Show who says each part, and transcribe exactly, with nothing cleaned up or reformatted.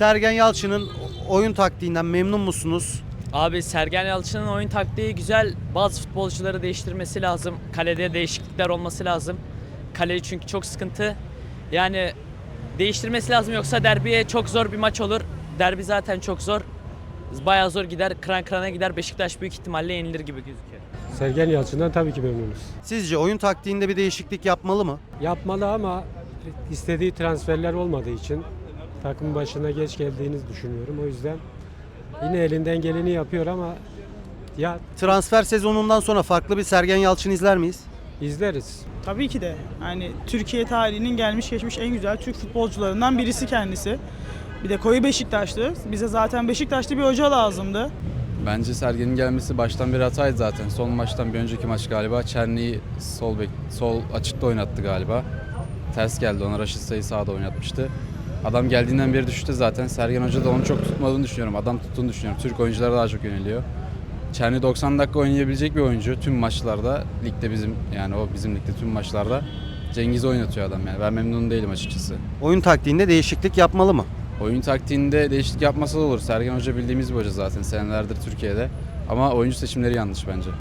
Speaker 1: Sergen Yalçın'ın oyun taktiğinden memnun musunuz?
Speaker 2: Abi Sergen Yalçın'ın oyun taktiği güzel. Bazı futbolcuları değiştirmesi lazım. Kalede değişiklikler olması lazım. Kale çünkü çok sıkıntı. Yani değiştirmesi lazım yoksa derbiye çok zor bir maç olur. Derbi zaten çok zor. Bayağı zor gider, kıran kırana gider. Beşiktaş büyük ihtimalle yenilir gibi gözüküyor.
Speaker 3: Sergen Yalçın'dan tabii ki memnunuz.
Speaker 1: Sizce oyun taktiğinde bir değişiklik yapmalı mı?
Speaker 3: Yapmalı ama istediği transferler olmadığı için takım başına geç geldiğini düşünüyorum. O yüzden yine elinden geleni yapıyor ama ya
Speaker 1: Transfer sezonundan sonra farklı bir Sergen Yalçın izler miyiz?
Speaker 3: izleriz.
Speaker 4: Tabii ki de. Yani Türkiye tarihinin gelmiş geçmiş en güzel Türk futbolcularından birisi kendisi. Bir de koyu Beşiktaşlı. Bize zaten Beşiktaşlı bir hoca lazımdı.
Speaker 5: Bence Sergen'in gelmesi baştan bir hataydı zaten. Son maçtan bir önceki maç galiba Çerni'yi sol bek, sol açıkta oynattı galiba. Ters geldi ona, Raşit Say'ı sağda oynatmıştı. Adam geldiğinden beri düştü zaten. Sergen Hoca da onu çok tutmadığını düşünüyorum. Adam tuttuğunu düşünüyorum. Türk oyunculara daha çok yöneliyor. Çerni doksan dakika oynayabilecek bir oyuncu tüm maçlarda. Ligde bizim, yani o bizim ligde tüm maçlarda. Cengiz oynatıyor adam yani. Ben memnun değilim açıkçası.
Speaker 1: Oyun taktiğinde değişiklik yapmalı mı?
Speaker 5: Oyun taktiğinde değişiklik yapmasa da olur. Sergen Hoca bildiğimiz bir hoca zaten senelerdir Türkiye'de. Ama oyuncu seçimleri yanlış bence.